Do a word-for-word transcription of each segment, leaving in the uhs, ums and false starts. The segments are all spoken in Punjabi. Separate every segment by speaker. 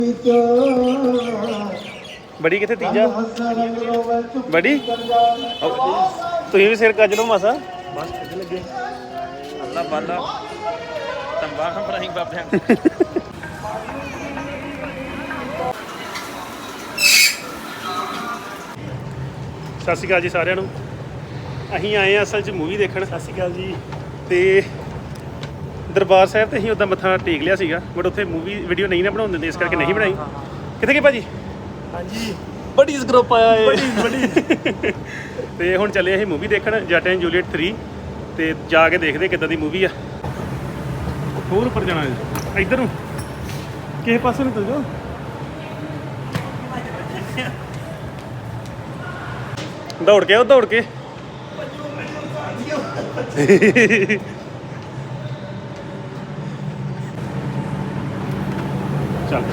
Speaker 1: बड़ी कितने तीजा बड़ी तुम भी सिर कज लो मासा बस लगे अल्लाह बाला तंबा बनाई बाबे सत श्री अकाल जी सारिਆਂ ਨੂੰ ਅਸੀਂ ਆਏ ਆ ਅਸਲ 'ਚ ਮੂਵੀ ਦੇਖਣ। ਸਤਿ ਸ਼੍ਰੀ ਅਕਾਲ ਜੀ। ਤੇ ਦਰਬਾਰ ਸਾਹਿਬ ਤੇ ਅਸੀਂ ਉੱਦਾਂ ਮੱਥਾ ਟੇਕ ਲਿਆ ਸੀਗਾ ਬਟ ਉੱਥੇ ਮੂਵੀ ਵੀਡੀਓ ਨਹੀਂ ਨਾ ਬਣਾਉਣ ਦਿੰਦੇ ਇਸ ਕਰਕੇ ਨਹੀਂ ਬਣਾਈ। ਕਿੱਥੇ ਗਏ ਭਾਜੀ? ਹਾਂਜੀ ਬੜੀ ਗਰੁੱਪ ਆਇਆ ਏ ਬੜੀ ਬੜੀ ਤੇ ਹੁਣ ਚੱਲੇ ਅਸੀਂ ਮੂਵੀ ਦੇਖਣ ਜੱਟ ਐਂਡ ਜੂਲੀਅਟ ਥ੍ਰੀ ਤੇ ਜਾ ਕੇ ਦੇਖਦੇ ਕਿੱਦਾਂ ਦੀ ਮੂਵੀ ਆ। ਹੋਰ ਉੱਪਰ ਜਾਣਾ ਹੈ ਇੱਧਰ ਨੂੰ ਕਿਸੇ ਪਾਸੇ ਨੂੰ ਚੱਲ ਜਾਓ। ਦੌੜ ਕੇ ਆਓ ਦੌੜ ਕੇ ਚੱਲ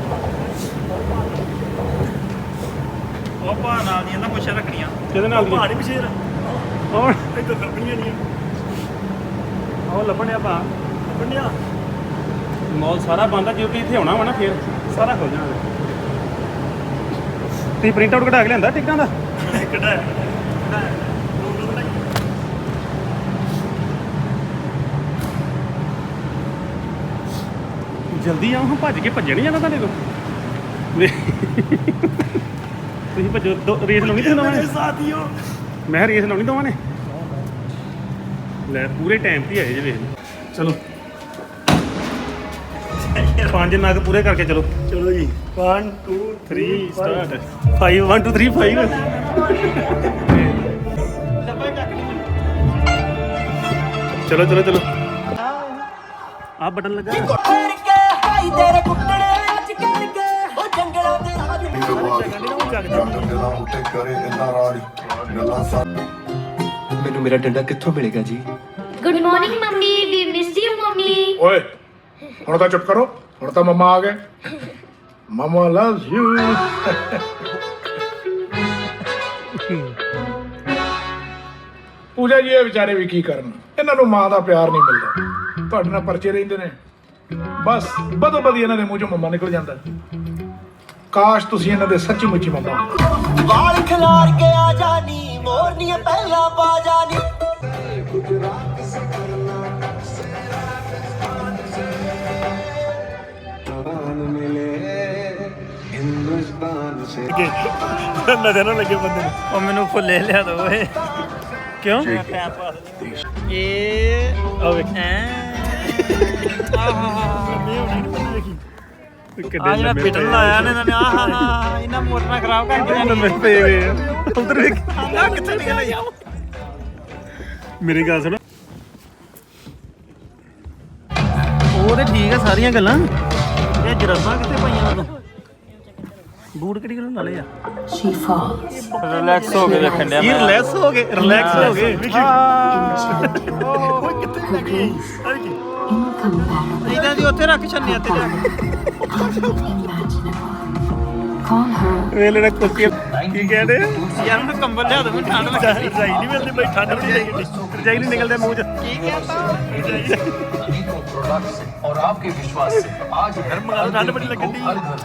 Speaker 1: ਉਹ ਭਾ ਨਾਲ ਦੀਆਂ ਨਾ ਪੁੱਛਾਂ ਰੱਖਣੀਆਂ ਕਿਹਦੇ ਨਾਲ ਦੀਆਂ ਭਾੜੀ ਪਿਛੇਰ ਹੋਰ ਇੱਧਰ ਲੱਭਣੀਆਂ ਨਹੀਂ ਉਹ ਲੱਭਣਿਆ ਭਾ ਲੱਭਣਿਆ ਮੌਲ ਸਾਰਾ ਬੰਦ ਆ ਜੇ ਤੁਸੀਂ ਇੱਥੇ ਆਉਣਾ ਵਾ ਨਾ ਫਿਰ ਸਾਰਾ ਖੁੱਲ ਜਾਣਾ। ਤੁਸੀਂ ਪ੍ਰਿੰਟ ਆਊਟ ਕਢਾ ਕੇ ਲਿਆਂਦਾ ਟਿਕਟਾਂ ਦਾ? ਕਢਾਇਆ ਜਲਦੀ ਆਓ ਹਾਂ ਭੱਜ ਕੇ ਭੱਜਣ ਨਹੀਂ ਜਾਣਾ ਤੁਹਾਡੇ ਕੋਲ ਤੁਸੀਂ ਭੱਜੋ ਰੇਸ ਲਾਉਣੀ ਤੁਸੀਂ ਦੋਵਾਂ ਨੇ ਸਾਥੀਓ ਮੈਂ ਰੇਸ ਲਾਉਣੀ ਦੋਵਾਂ ਨੇ ਲੈ ਪੂਰੇ ਟਾਈਮ ਤੇ ਆਏ ਜੇ ਵੇਖ ਚਲੋ ਪੰਜ ਨਗ ਪੂਰੇ ਕਰਕੇ ਚਲੋ ਚਲੋ ਜੀ one two three start five one two three five ਚਲੋ ਚਲੋ ਚਲੋ ਆ ਬਟਨ ਲੱਗਾ ਤੇਰੇ ਕੁੱਟੜੇ ਅੱਜ ਕਰਕੇ ਉਹ ਜੰਗਲਾਂ ਦੇ ਰਾਜ ਉੱਤੇ ਕਰੇ ਇੰਨਾ ਰਾਜ ਗੱਲਾਂ ਮੈਨੂੰ ਮੇਰਾ ਡੰਡਾ ਕਿੱਥੋਂ ਮਿਲੇਗਾ ਜੀ?
Speaker 2: ਗੁੱਡ ਮਾਰਨਿੰਗ ਮੰਮੀ ਵੀ ਮਿਸ ਯੂ ਮੰਮੀ।
Speaker 3: ਓਏ ਹੁਣ ਤਾਂ ਚੁੱਪ ਕਰੋ ਹੁਣ ਤਾਂ ਮਮਾ ਆ ਗਏ ਮਮਾ ਲਵਸ ਯੂ। ਪੂਜਾ ਜੀ ਇਹ ਵਿਚਾਰੇ ਵੀ ਕੀ ਕਰਨ ਇਹਨਾਂ ਨੂੰ ਮਾਂ ਦਾ ਪਿਆਰ ਨਹੀਂ ਮਿਲਦਾ ਤੁਹਾਡੇ ਨਾਲ ਪਰਚੇ ਰਹਿੰਦੇ ਨੇ ਬਸ ਬਦੋ ਬਦੀ ਇਹਨਾਂ ਦੇ ਮੂੰਹ ਚੋਂ ਮਮਾ ਨਿਕਲ ਜਾਂਦਾ। ਕਾਸ਼ ਤੁਸੀਂ ਇਹਨਾਂ ਦੇ ਸੱਚੀ ਮੁੱਚੀ ਮਮਾ ਵਾਲ ਖਿਲਾਰ ਕੇ ਆ ਜਾਨੀ ਮੋਰਨੀਆਂ ਪਹਿਲਾਂ ਪਾ ਜਾਨੀ
Speaker 1: ਨਜ਼ਰ ਨਾ ਲੱਗੇ ਬੰਦੇ ਨੂੰ ਉਹ ਮੈਨੂੰ ਫੁੱਲੇ ਲਿਆ ਦੋ ਓਏ ਕਿਉਂ ਇਹ ਆ ਵੇਖ ਆ ਜਿਹੜਾ ਪਿਟਣ ਲਾਇਆ ਨੇ ਇਹਨਾਂ ਨੇ ਆਹ ਹਾ ਇਹਨਾਂ ਮੋਟਰਾਂ ਖਰਾਬ ਕਰ ਦਿੱਤੀਆਂ ਨੇ ਮੇਰੇ ਪਏ ਹੋਏ ਆ ਉਧਰ ਵੇਖ ਆ ਕਿੱਥੇ ਨਿਕਲ ਆਇਆ ਮੇਰੀ ਗੱਲ ਸੁਣ ਉਹ ਤੇ ਠੀਕ ਆ ਸਾਰੀਆਂ ਗੱਲਾਂ ਇਹ ਜਰਾਬਾਂ ਕਿੱਥੇ ਪਾਈਆਂ ਉਦੋਂ ਬੂਟ ਕਿਹੜੀ ਗੱਲੋਂ ਨਾਲੇ ਆ ਰਿਲੈਕਸ ਹੋ ਕੇ ਵੇਖਣ ਡਿਆ ਮੈਂ ਰਿਲੈਕਸ ਹੋ ਗਏ ਰਿਲੈਕਸ ਹੋ ਗਏ ਓਏ ਕਿੱਥੇ ਲੱਗੀ ਇਹਨਾਂ ਦੀ ਉੱਥੇ ਰੱਖ ਛੰਨਿਆ ਤੇ ਜਾ ਵੇਲੇ ਨਾ ਕੁੱਤੀ ਕੀ ਕਹਿੰਦੇ ਯਾਰ ਉਹਨੂੰ ਕੰਬਲ ਲਿਆ ਦੋ ਠੰਡ ਲੱਗਦੀ ਰਜਾਈ ਨਹੀਂ ਮਿਲਦੀ ਬਈ ਠੰਡ ਬੜੀ ਲੱਗਦੀ ਰਜਾਈ ਨਹੀਂ ਨਿਕਲਦਾ ਮੂੰਹ ਚ ਕੀ ਕਹਿੰਦਾ और आपके विश्वास से आज ठंड बड़ी लगती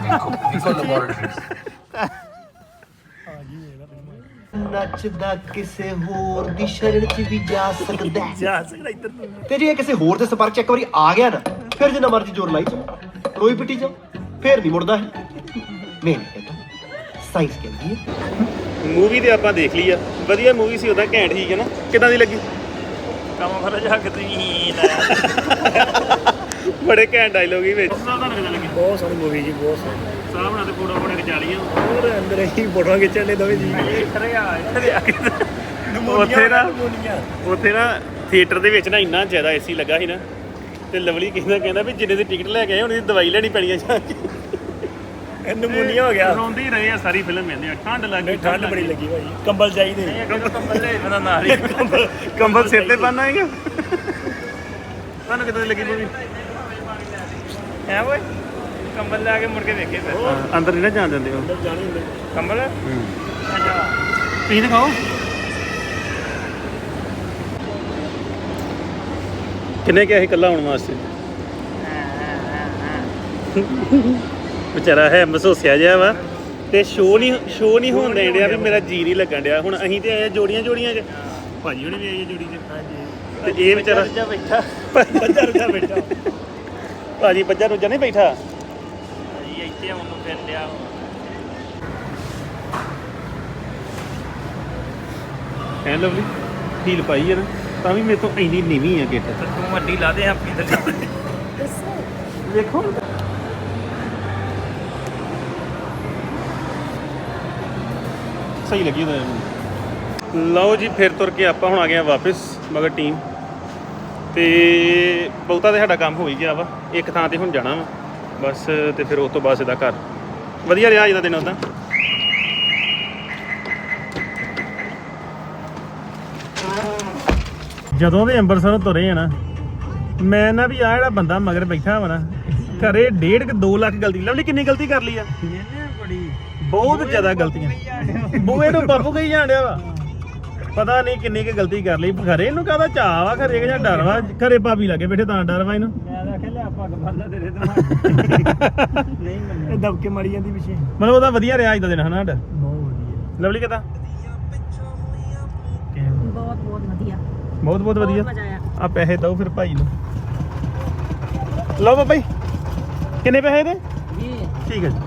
Speaker 1: ਨੱਚਦਾ ਕਿਸੇ ਹੋਰ ਦੀ ਸ਼ਰਨ ਚ ਵੀ ਜਾ ਸਕਦਾ ਜਾ ਸਕਦਾ ਇੱਧਰ ਤੇ ਜੇ ਕਿਸੇ ਹੋਰ ਦੇ ਸੰਪਰਕ ਚ ਇੱਕ ਵਾਰੀ ਆ ਗਿਆ ਨਾ ਫਿਰ ਜਿੰਨਾ ਮਰਜ਼ੀ ਜ਼ੋਰ ਲਾਈ ਜਾ ਰੋਈ ਪਿੱਟੀ ਜਾ ਫਿਰ ਨਹੀਂ ਮੁੜਦਾ ਹੈ ਨਹੀਂ ਇਹ ਸਾਇੰਸ ਕਹਿੰਦੀ ਹੈ। ਮੂਵੀ ਤੇ ਆਪਾਂ ਦੇਖ ਲਈ ਆ ਵਧੀਆ ਮੂਵੀ ਸੀ ਉਹਦਾ ਘੈਂਟ ਠੀਕ ਹੈ ਨਾ ਕਿੱਦਾਂ ਦੀ ਲੱਗੀ? ਕੰਮ ਫਰ ਜਾ ਕੇ ਤੁਸੀਂ ਬੜੇ ਘੈਂਟ ਡਾਇਲੋਗ ਹੀ ਵਿੱਚ ਬਹੁਤ ਸੋਹਣੀ ਮੂਵੀ ਜੀ ਬਹੁਤ ਸੋਹਣੀ ਸਾਹ ਬਣਾ ਤੇ ਫੋਟੋ ਫੋਟੋ ਖਿਚਾ ਲਈਆਂ ਹੋਰ ਅੰਦਰ ਹੀ ਫੋਟੋਆਂ ਖਿੱਚਣ ਲਈ ਦੋਵੇਂ ਜੀ ਇੱਥੇ ਆ ਇੱਥੇ ਆ ਕੇ ਉੱਥੇ ਨਾ ਉੱਥੇ ਨਾ ਥੀਏਟਰ ਦੇ ਵਿੱਚ ਨਾ ਇੰਨਾ ਜ਼ਿਆਦਾ ਏਸੀ ਲੱਗਾ ਸੀ ਨਾ ਤੇ ਲਵਲੀ ਕਹਿੰਦਾ ਕਹਿੰਦਾ ਵੀ ਜਿੰਨੇ ਦੀ ਟਿਕਟ ਲੈ ਕੇ ਆਏ ਹੁਣ ਇਹਦੀ ਦਵਾਈ ਲੈਣੀ ਪੈਣੀ ਆ ਜਾ ਕੇ ਨਮੂਨੀਆ ਹੋ ਗਿਆ ਰੋਂਦੇ ਹੀ ਰਹੇ ਆ ਸਾਰੀ ਫਿਲਮ ਕਹਿੰਦੇ ਆ ਠੰਡ ਲੱਗੀ ਠੰਡ ਬੜੀ ਲੱਗੀ ਭਾਈ ਕੰਬਲ ਚਾਹੀਦੇ ਕੰਬਲ ਲੈ ਬੰਦਾ ਨਾਲ ਹੀ ਕੰਬਲ ਸਿਰ ਤੇ ਬੰਨ੍ਹ ਆਏਗਾ ਤੁਹਾਨੂੰ ਕਿੱਦਾਂ ਦੀ ਲੱਗੀ ਮੂਵੀ ਹੈ ਓਏ ਕੰਬਲ ਲੈ ਕੇ ਮੁੜ ਕੇ ਵੇਖੇ ਫਿਰ ਅੰਦਰ ਨਹੀਂ ਨਾ ਜਾਣ ਦਿੰਦੇ ਅੰਦਰ ਜਾਣੀ ਹੁੰਦੇ ਕੰਬਲ ਹੂੰ ਤੁਸੀਂ ਦਿਖਾਓ ਕਿੰਨੇ ਕਿਹਾ ਸੀ ਇਕੱਲਾ ਆਉਣ ਵਾਸਤੇ ਵਿਚਾਰਾ ਹੈ ਮਸੋਸਿਆ ਜਿਹਾ ਵਾ ਤੇ ਸ਼ੋ ਨਹੀਂ ਸ਼ੋ ਨਹੀਂ ਹੋਣ ਦੇਣ ਡਿਆ ਵੀ ਮੇਰਾ ਜੀ ਨਹੀਂ ਲੱਗਣ ਡਿਆ। ਹੁਣ ਅਸੀਂ ਤੇ ਆਏ ਜੋੜੀਆਂ ਜੋੜੀਆਂ ਚ ਭਾਜੀ ਹੁਣੇ ਵੀ ਆਏ ਜੋੜੀ ਚ ਹਾਂਜੀ ਤੇ ਇਹ ਵਿਚਾਰਾ ਬੈਠਾ ਬੱਜਾ ਰੁਜਾ ਬੈਠਾ ਭਾਜੀ ਬੱਜਾ ਰੁਜਾ ਨਹੀਂ ਬੈਠਾ ਭਾਜੀ ਇੱਥੇ ਉਹਨੂੰ ਫਿਰ ਲਿਆ ਹੈ ਲਵਲੀ ਢੀਲ ਪਾਈ ਹੈ ਨਾ ਤਾਂ ਵੀ ਮੇਰੇ ਤੋਂ ਇੰਨੀ ਨੀਵੀਂ ਆ ਗਿੱਟ ਤੂੰ ਵੱਡੀ ਲਾ ਦੇ ਆਪਣੀ ਥੱਲੇ ਵੇਖੋ ਸਹੀ ਲੱਗੀ ਉਹਦਾ। ਲਓ ਜੀ ਫਿਰ ਤੁਰ ਕੇ ਆਪਾਂ ਹੁਣ ਆ ਗਏ ਆ ਵਾਪਸ ਮਗਰ ਟੀਮ ਤੇ ਬਹੁਤਾ ਤੇ ਸਾਡਾ ਕੰਮ ਹੋ ਹੀ ਗਿਆ ਵਾ ਇੱਕ ਥਾਂ ਤੇ ਹੁਣ ਜਾਣਾ ਵਾ ਬਸ ਤੇ ਫਿਰ ਉਸ ਤੋਂ ਬਾਅਦ ਸਿੱਧਾ ਘਰ। ਵਧੀਆ ਰਿਹਾ ਅੱਜ ਦਾ ਦਿਨ ਉਹਦਾ। ਜਦੋਂ ਦੇ ਅੰਮ੍ਰਿਤਸਰੋਂ ਤੁਰੇ ਆ ਨਾ ਮੈਂ ਨਾ ਵੀ ਆ ਜਿਹੜਾ ਬੰਦਾ ਮਗਰ ਬੈਠਾ ਵਾ ਨਾ ਘਰੇ ਡੇਢ ਕੁ ਦੋ ਲੱਖ ਗਲਤੀ ਲਵਲੀ ਕਿੰਨੀ ਗਲਤੀ ਕਰ ਲਈ ਆ ਬਹੁਤ ਜ਼ਿਆਦਾ ਗਲਤੀਆਂ ਬੂਏ ਨੂੰ ਬਾਪੂ ਕਹੀ ਜਾਣ ਡਿਆ ਵਾ ਪਤਾ ਨਹੀਂ ਕਿੰਨੀ ਕੁ ਗਲਤੀ ਕਰ ਲਈ ਘਰੇ ਇਹਨੂੰ ਕਾਹਦਾ ਚਾਹ ਵਾ ਘਰੇ ਜਾਂ ਡਰ ਵਾ ਘਰੇ ਭਾਬੀ ਲੱਗੇ ਬੈਠੇ ਤਾਂ ਡਰ ਵਾ ਇਹਨੂੰ ਮੈਂ ਆਖਿਆ ਲੈ ਪੱਗ ਬੰਨ੍ਹ ਤੇਰੇ ਦਿਮਾਗ ਨਹੀਂ ਮੰਨਿਆ ਦਬਕੇ ਮਾਰੀ ਜਾਂਦੀ ਪਿੱਛੇ ਮਤਲਬ ਉਹਦਾ ਵਧੀਆ ਰਿਹਾ ਅੱਜ ਦਾ ਦਿਨ ਹਨਾ ਸਾਡਾ ਬਹੁਤ ਵਧੀਆ। ਲਵਲੀ ਕਿਦਾਂ
Speaker 2: ਬਹੁਤ ਬਹੁਤ ਵਧੀਆ
Speaker 1: ਬਹੁਤ ਬਹੁਤ ਵਧੀਆ
Speaker 2: ਮਜ਼ਾ ਆਇਆ।
Speaker 1: ਆ ਪੈਸੇ ਦਓ ਫਿਰ ਭਾਈ ਨੂੰ ਲਓ ਬਾਬਾ ਜੀ ਕਿੰਨੇ ਪੈਸੇ ਦੇ ਠੀਕ ਹੈ ਜੀ।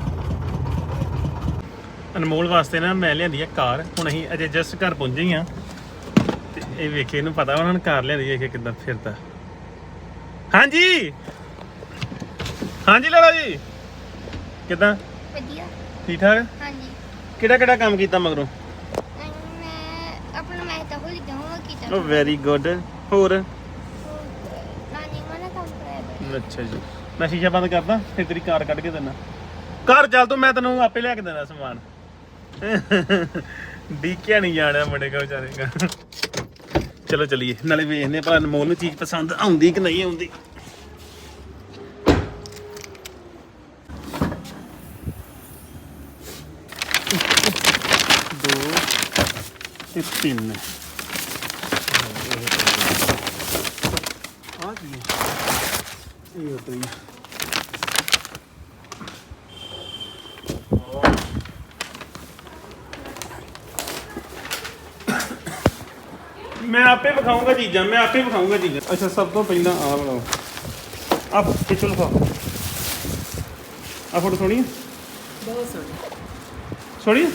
Speaker 1: ਅਨਮੋਲ ਵਾਸਤੇ ਨਾ ਮੈਂ ਲਿਆਂਦੀ ਆ ਕਾਰ ਹੁਣ ਅਸੀਂ ਅਜੇ ਜਸਟ ਘਰ ਪਹੁੰਚੇ ਹੀ ਆ ਤੇ ਇਹ ਵੇਖੇ ਇਹਨੂੰ ਪਤਾ ਉਹਨਾਂ ਨੇ ਕਾਰ ਲਿਆਂਦੀ ਵੇਖੇ ਕਿੱਦਾਂ ਫਿਰਦਾ। ਹਾਂਜੀ ਹਾਂਜੀ ਲਾਲਾ ਜੀ ਕਿੱਦਾਂ
Speaker 2: ਵਧੀਆ
Speaker 1: ਠੀਕ ਠਾਕ
Speaker 2: ਹਾਂਜੀ
Speaker 1: ਕਿਹੜਾ ਕਿਹੜਾ ਕੰਮ ਕੀਤਾ ਮਗਰੋਂ
Speaker 2: ਮੈਂ ਆਪਣਾ ਮੈਂ ਤਾਂ ਭੁੱਲ ਗਿਆ ਹਾਂ ਕੀਤਾ
Speaker 1: ਉਹ ਵੈਰੀ ਗੁੱਡ ਹੋਰ
Speaker 2: ਨਾਨੀ ਮਨਾ ਕੰਮ ਕਰਾਇਆ
Speaker 1: ਅੱਛਾ ਜੀ ਮੈਂ ਸ਼ੀਸ਼ਾ ਬੰਦ ਕਰਦਾ ਫਿਰ ਤੇਰੀ ਕਾਰ ਕੱਢ ਕੇ ਦੇਣਾ ਘਰ ਚੱਲ ਤੂੰ ਮੈਂ ਤੈਨੂੰ ਆਪੇ ਲਿਆ ਕੇ ਦੇਣਾ ਸਮਾਨ ਡੀਕਿਆ ਨਹੀਂ ਜਾਣਾ ਮੁੰਡੇ ਕਾ ਵਿਚਾਰੇ ਕਾ ਚਲੋ ਚਲੀਏ ਨਾਲੇ ਵੇਖਦੇ ਭਲਾ ਅਨਮੋਲ ਨੂੰ ਚੀਜ਼ ਪਸੰਦ ਆਉਂਦੀ ਕਿ ਨਹੀਂ ਆਉਂਦੀ। ਦੋ ਤੇ ਤਿੰਨ ਆ ਕੀ ਇਹ ਉਤਰੀ ਮੈਂ ਆਪੇ ਵਿਖਾਊਂਗਾ ਚੀਜ਼ਾਂ ਮੈਂ ਆਪੇ ਵਿਖਾਊਂਗਾ ਚੀਜ਼ਾਂ। ਅੱਛਾ ਸਭ ਤੋਂ ਪਹਿਲਾਂ ਆਹ ਬਣਾਓ ਆ ਖਿੱਚੋ ਲਫਾ ਆ ਫੋਟੋ ਸੋਹਣੀ
Speaker 2: ਬਹੁਤ ਸੋਹਣੀ
Speaker 1: ਸੋਹਣੀ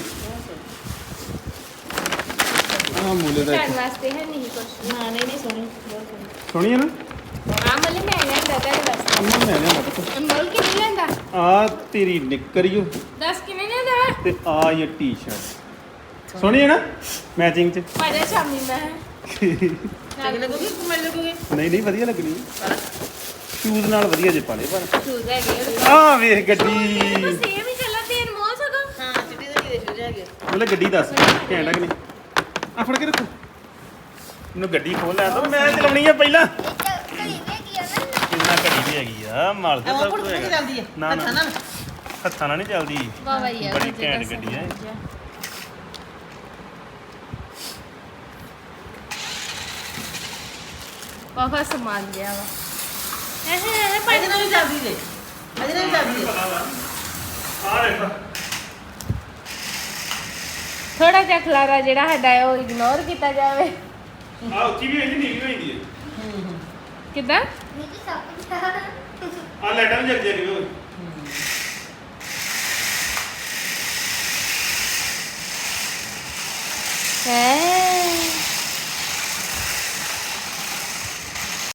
Speaker 1: ਆ ਮੂਲੇ ਦਾ
Speaker 2: ਘਰ ਵਾਸਤੇ ਹੈ ਨਹੀਂ ਕੁਝ ਨਾ ਨਹੀਂ ਨਹੀਂ ਸੋਹਣੀ ਬਹੁਤ ਸੋਹਣੀ
Speaker 1: ਸੋਹਣੀ ਹੈ ਨਾ
Speaker 2: ਆ ਮੱਲੇ ਮੈਂ ਲੈਂਦਾ ਤੁਹਾਡੇ ਵਾਸਤੇ
Speaker 1: ਅੰਮਾ ਮੈਂ ਲਿਆ ਪਤਾ
Speaker 2: ਅਨਮੋਲ ਕਿਵੇਂ ਲੈਂਦਾ
Speaker 1: ਆ ਤੇਰੀ ਨਿੱਕਰੀਓ
Speaker 2: ਦੱਸ ਕਿਵੇਂ ਲੈਂਦਾ
Speaker 1: ਤੇ ਆ ਇਹ ਟੀ-ਸ਼ਰਟ ਸੋਹਣੀ ਹੈ ਨਾ ਮੈਚਿੰਗ ਚ
Speaker 2: ਪਾਜਾ ਸ਼ਾਮੀ ਮੈਂ ਨਾਲ ਲੱਗੂਗੀ ਕੁਮਲ ਲੱਗੂਗੀ
Speaker 1: ਨਹੀਂ ਨਹੀਂ ਵਧੀਆ ਲੱਗਣੀ ਸ਼ੂਜ਼ ਨਾਲ ਵਧੀਆ ਜੇ ਪਾਲੇ ਪਰ
Speaker 2: ਸ਼ੂਜ਼ ਹੈਗੇ
Speaker 1: ਆ ਵੇਖ ਗੱਡੀ
Speaker 2: ਸੇਮ ਹੀ ਕਲਰ ਦੇ ਅਨਮੋਲ ਸਗੋਂ ਹਾਂ ਚਿੱਟੀ ਦੇ ਕਿਹਦੇ ਸ਼ੂਜ਼ ਹੈਗੇ
Speaker 1: ਮਤਲਬ ਗੱਡੀ ਦੱਸ ਘੈਂਟ ਕਿ ਨਹੀਂ ਆ ਫੜ ਕੇ ਰੱਖੋ ਇਹਨੂੰ ਗੱਡੀ ਖੋਲ ਲੈ ਦੋ ਮੈਂ ਚਲਾਉਣੀ ਆ ਪਹਿਲਾਂ ਕਿੰਨਾ ਘੜੀ ਵੀ ਹੈਗੀ ਆ ਮਾਲ ਤੇ ਸਭ ਕੁਝ ਹੈਗਾ ਨਾ ਨਾ ਹੱਥਾਂ ਨਾਲ ਨਹੀਂ ਚੱਲਦੀ
Speaker 2: ਵਾਹ ਵਧੀਆ
Speaker 1: ਬੜੀ ਘੈਂਟ ਗੱਡੀ ਹੈ
Speaker 2: ਬਹੁਤ ਸਮਾਨ ਗਿਆ ਵਾ ਇਹ ਇਹ ਪਾਣੀ ਨਾਲ ਵੀ ਚੱਲਦੀ ਦੇ ਅਜੇ ਨਾਲ ਚੱਲਦੀ ਦੇ
Speaker 1: ਆ ਦੇਖ
Speaker 2: ਥੋੜਾ ਜਿਹਾ ਖਲਾਰਾ ਜਿਹੜਾ ਸਾਡਾ ਹੈ ਉਹ ਇਗਨੋਰ ਕੀਤਾ ਜਾਵੇ
Speaker 1: ਆ ਉੱਚੀ ਵੀ ਇਹਦੀ ਨੀਵੀਂ ਹੋਈ ਹੈ
Speaker 2: ਕਿੱਦਾਂ
Speaker 1: ਆ ਲੈਟਾਂ ਵੀ ਜਗ ਜਗ ਵੀ
Speaker 2: ਹੈ